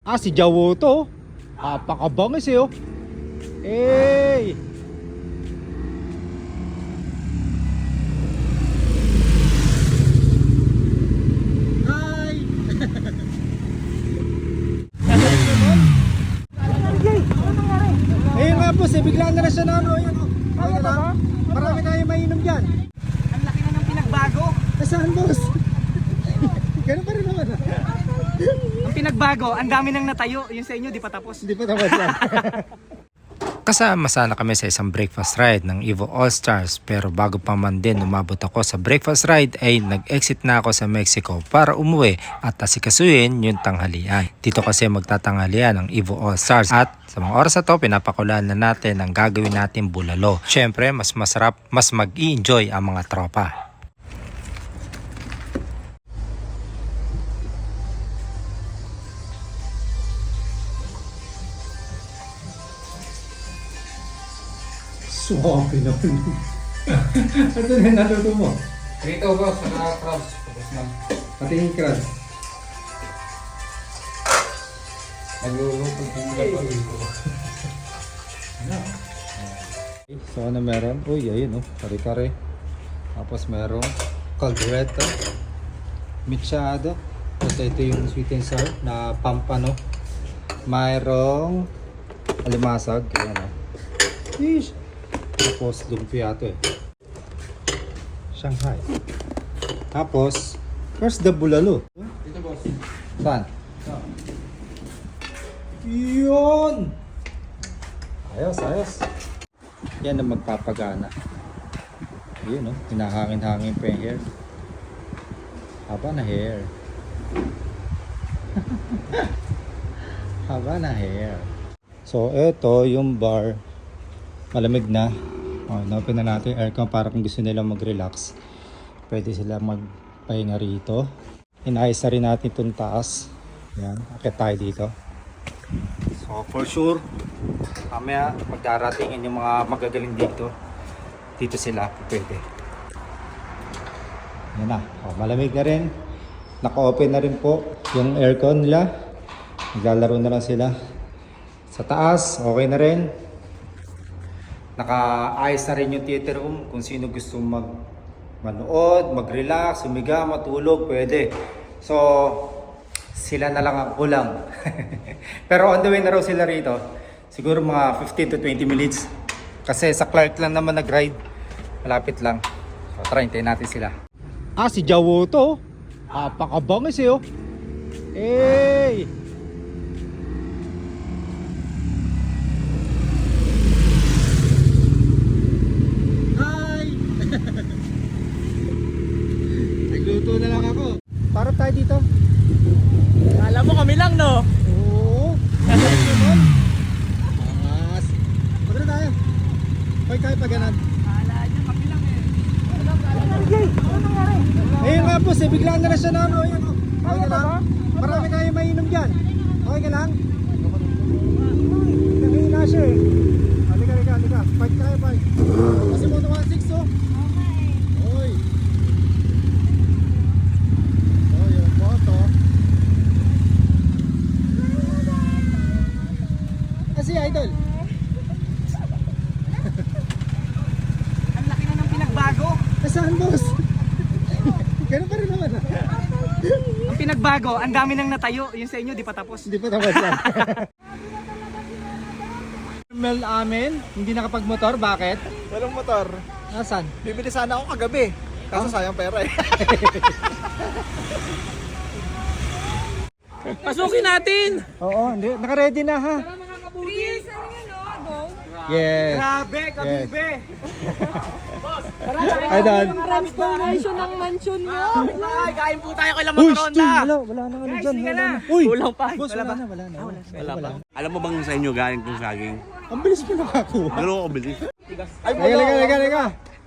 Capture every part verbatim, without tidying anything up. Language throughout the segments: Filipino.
Ah, si Jawo to. Napakabangis eh oh. Hey! Hi! Ayun nga po, eh, bigla na na siya na ano. Ayun, oh. Ayun na. Marami tayo mainom dyan. Ang laki na ng pinagbago. Nasaan boss? Ganun pa rin naman. Ang pinagbago, ang dami nang natayo. Yung sa inyo, di pa tapos. Hindi pa tapos yan. Kasama sana kami sa isang breakfast ride ng Evo All Stars, pero bago pa man din umabot ako sa breakfast ride ay nag-exit na ako sa Mexico para umuwi at asikasuhin yung tanghalian. Dito kasi magtatanghalian ng Evo All Stars at sa mga oras na to pinapakulaan na natin ang gagawin natin bulalo. Syempre mas masarap, mas mag-i-enjoy ang mga tropa. Suwabe na po. Ano na yung naluto mo? Dito ba sa crabs? Tapos na. Pati yung crabs. Nagluluto din dapat dito. So ano meron? Uy, ayun oh, kare-kare. Tapos merong caldereta, mechado. Tapos ito yung sweet and sour na pampano. Mayroong alimasag, ayan oh. Yeesh. Tapos lumpia ito eh. Shanghai. Tapos, where's the bulalo? Dito boss. Saan? Yun! Ayos, ayos. Yan ang magpapagana. Yun oh, hinahangin-hangin pa yung hair. Haba na hair. Haba na hair. So, eto yung bar. Malamig na. Oh, na-open na natin yung aircon para kung gusto nila mag-relax. Pwede sila magpahinga rito. Inayos na rin natin itong taas. Yan, akit tayo dito. So for sure, mamaya magdaratingin yung mga magagaling dito. Dito sila, pwede. Yan na, oh, malamig na rin. Naka-open na rin po yung aircon nila. Naglalaro na lang sila. Sa taas, okay na rin. Nakaayos na rin yung theater room. Kung sino gusto mag manood, mag-relax, humiga, matulog, pwede. So, sila na lang ang kulang. Pero on the way na raw sila rito. Siguro mga fifteen to twenty minutes. Kasi sa Clark lang naman nag-ride. Malapit lang. So, try, hintayin natin sila. Ah, si Jawo to. Napakabangis eh oh. Hey! Nagluto na lang ako. Parang tayo dito. Alam mo kami lang, no? Oo. Angas. Pagod tayo. Pag tayo pa ganan. Kala niya kami lang eh. Ano nangyari? Ayun nga po, eh, bigla na na siya na ano. Ayun, oh. Okay ka lang? Marami tayo mainom dyan. Okay ka lang? Naging siya eh. Halika, halika, halika. Fight tayo, fight. Kasi mo one six oh. Oy. Oh, yung moto. Kasi idol. Ang laki na ng pinagbago. Nasaan boss? Ganun pa rin naman ah. Ang pinagbago, ang dami nang natayo. Yung sa inyo, di pa tapos. Hindi pa tapos yan. Mel amin, hindi nakapagmotor, bakit? Walang motor. Nasaan? Bibili sana ako kagabi. Kaso sayang pera eh. Pasukin natin! Oo, hindi, naka-ready na ha. Please, ano yun, no? Go. Yes. Grabe, kabibe! Idol. Transformation ng mansion nyo. Ay, kain po tayo kay Uy, Lamang Stu, wala, wala na ano Guys, dyan. sige Wala na. na. Uy, Kulang pa. boss, Wala wala ba? na, wala na. Wala, wala. Alam mo bang sa inyo galing tong saging? Ang bilis mo nakakuha. Pero ako bilis. Ay, liga, liga, liga, liga.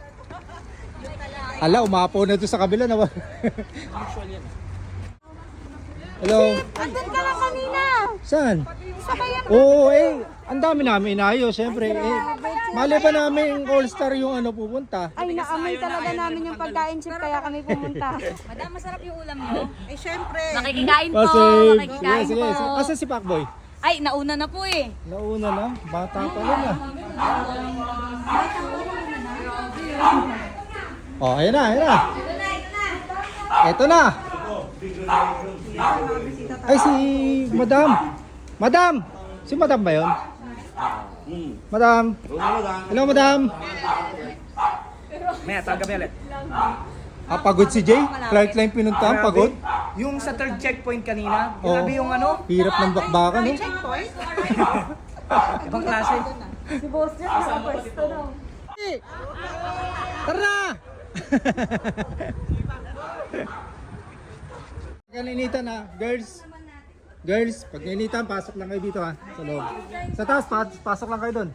Ala, umapaw na ito sa kabila na. Hello. Andun ka lang kanina. Saan? sabayan. Oo, eh, ang dami namin inayos, syempre. Eh, mali pa namin All-Star yung ano pupunta. Ay, naamoy talaga namin yung pagkain chip kaya kami pumunta. Madam, masarap yung ulam niyo. Eh, syempre. Makikikain po, Kasi, sige, makikikain sige. po. Asa si Pacboy? Ay, nauna na po eh. Nauna na, bata pa lang ah. Oh, ayan na, ayan na. Ito na. Ay, si Madam. Madam! Si Madam ba yun? Madam. Hello, Madam. May atang kami ulit. Ah, pagod si Jay? Flight line pinuntahan, pagod? Yung sa third checkpoint kanina, Oo. grabe yung ano, Hirap ng bakbakan, no? ibang klase. Si Boss Jack, nasa pwesto daw. Tara na! Pag nainitan na, girls. Girls, pag nainitan, pasok lang kayo dito ha, sa loob. Sa taas, pas- pasok lang kayo doon.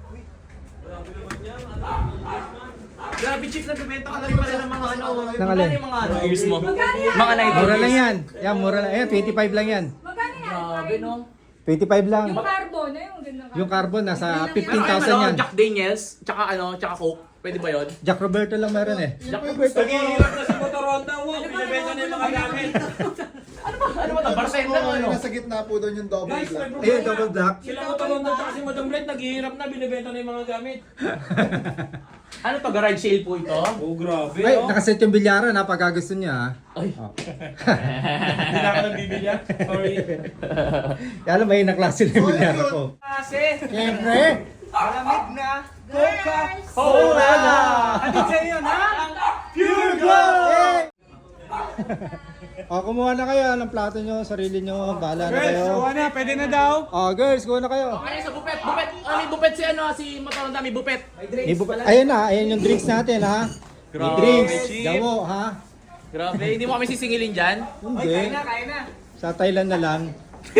Grabe chip, nagbibenta ka na rin pala ng mga ano. Nang alin? Yung mga ano, ears mo. Mga night Mura lang yan. Yan, mura lang. Ayan, twenty-five lang yan. Grabe no. twenty-five lang. Carbon, eh, yung ganda. Yung carbon, nasa fifteen Ano, thousand yan. Jack Daniels, tsaka ano, tsaka Coke. Pwede ba yun? Jack Roberto lang meron eh. Jack Roberto. Naghihirap na si Motoronda, wow. Binibenta na yung mga gamit. Ano ba? Ano ba ito? Bartender o ano? Nasa gitna po doon yung double black. Ayun, double black. Sila Motoronda at si Madam Red naghihirap na, binibenta na yung mga gamit. Ano to? Garage sale po ito? Oh, grabe. Ay, nakaset yung bilyaran ha, pagka gusto niya ha. Ay. Hindi na ako nang bibili. Sorry. Kaya alam, may naklase na yung bilyaran ko. Kasi, Siyempre! malamig na Coca-Cola! Ano sa'yo yun, ha? Pure Gold! O, kumuha na kayo ng plato nyo, sarili nyo, bahala na kayo. na, pwede na daw. O, girls, kuha na kayo. Ano sa bupet? Bupet! Ah, may bupet si ano, si Motoronda, may bupet. May bu- Ayan na, ayan yung drinks natin ha. May Grabe, drinks, cheap. gawo ha. Grabe, hindi mo kami sisingilin dyan? Hindi, Kaya na. sa Thailand na lang.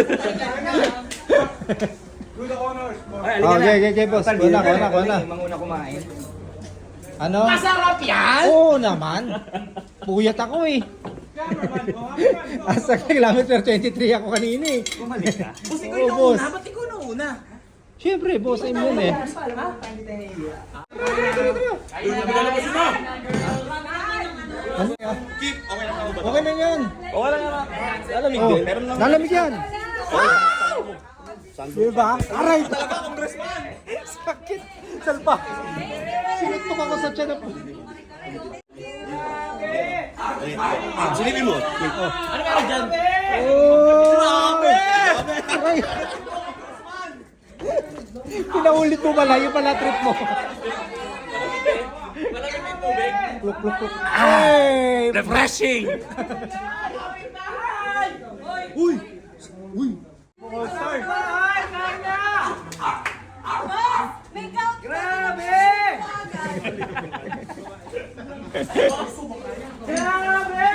Good honors. Ay, O, okay, okay, okay, boss. Kuha na, kuha na, kuha na. Manguna kumain. Ano? Masarap yan! Oo naman. Puyat ako eh. Asa kilometer twenty-three ako kanina eh. Bumalik ka. Boss, ikaw Oo, yung boss. nauna. Ba't ikaw nauna? Siyempre, boss, ayun yun eh. Ayun, nabigala mo sila. Ano? Okay na yan. Okay lang naman. Lalamig Oh, din. Meron lang. lalamig yan. Diba? Aray talaga, congressman. Sakit. Salpa. Sinutok ako sa tiyan. Silipin mo. Ano meron dyan? Oh! Grabe! Aray. Pinaulit mo pala, yung pala trip mo. Malamig may tubig. Pluk, pluk, pluk. Ay! Refreshing! Uy! Uy! Grabe! Grabe!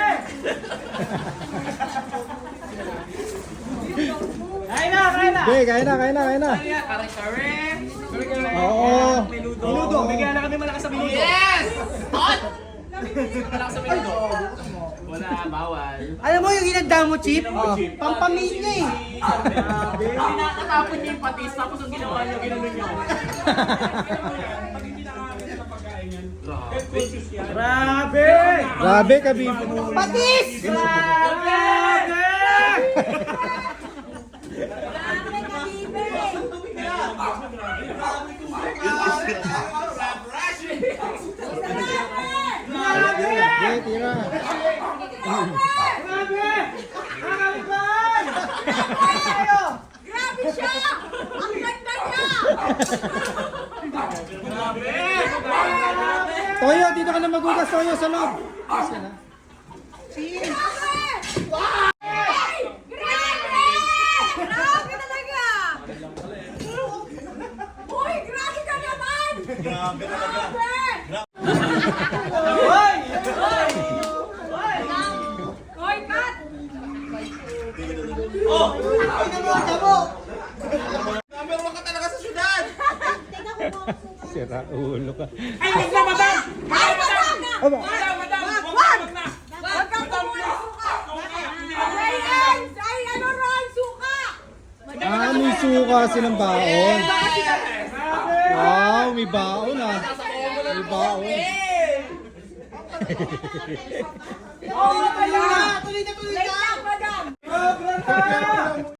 Kain na, kain na! Okay, kaya na, kaya na, kaya na. Kare-kare! Oo. Menudo! Menudo! Bigyan na kami malakas sa menudo! Yes! Hot! Malakas sa menudo! Wala, bawal. Alam mo yung ginanda mo, Chip? Pampamilya eh. Grabe! Pinakatapon niyo yung patis, tapos ang ginawa niyo, ginawa niyo. Grabe! Grabe, kabibo. Patis! Grabe! Okay, tira. Grabe siya! Ang ganda niya! Toyo, dito ka na magugas, Toyo, sa loob. Grabe! Grabe talaga! Uy, grabe ka naman! Grabe talaga! Hoy! Hoy, Pat! Sira ulo ka. Ay, wag na, madam! Ay, madam! Aba. Madam, madam! Wag! Wag na! Wag kang tumulong suka! Ay, ay, ay, ano ron, suka! Hindi, Ah, may suka silang baon. Wow, may baon ah. May baon. Tuloy na, tuloy na, tuloy na.